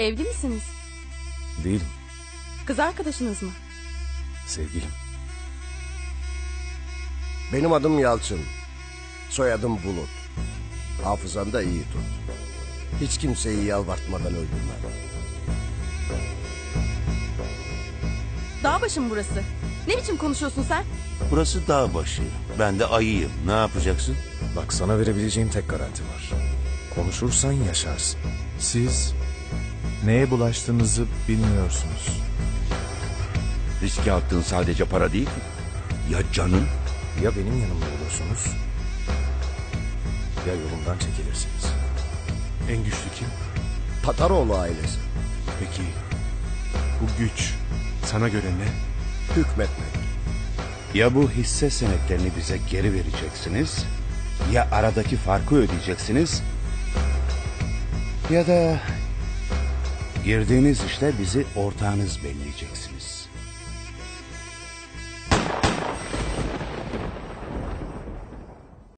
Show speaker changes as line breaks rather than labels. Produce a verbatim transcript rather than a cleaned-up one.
Evli misiniz?
Değilim.
Kız arkadaşınız mı?
Sevgilim.
Benim adım Yalçın. Soyadım Bulut. Hafızanı da iyi tut. Hiç kimseyi yalvartmadan öldürme.
Dağbaşı mı burası? Ne biçim konuşuyorsun sen?
Burası dağ başı. Ben de ayıyım. Ne yapacaksın?
Bak, sana verebileceğim tek garanti var. Konuşursan yaşarsın.
Siz neye bulaştığınızı bilmiyorsunuz.
Riske attığın sadece para değil ki. Ya canın?
Ya benim yanımda olursunuz, ya yolumdan çekilirsiniz.
En güçlü kim?
Tataroğlu ailesi.
Peki bu güç sana göre ne?
Hükmetmek.
Ya bu hisse senetlerini bize geri vereceksiniz, ya aradaki farkı ödeyeceksiniz, ya da girdiğiniz işte bizi ortağınız belleyeceksiniz.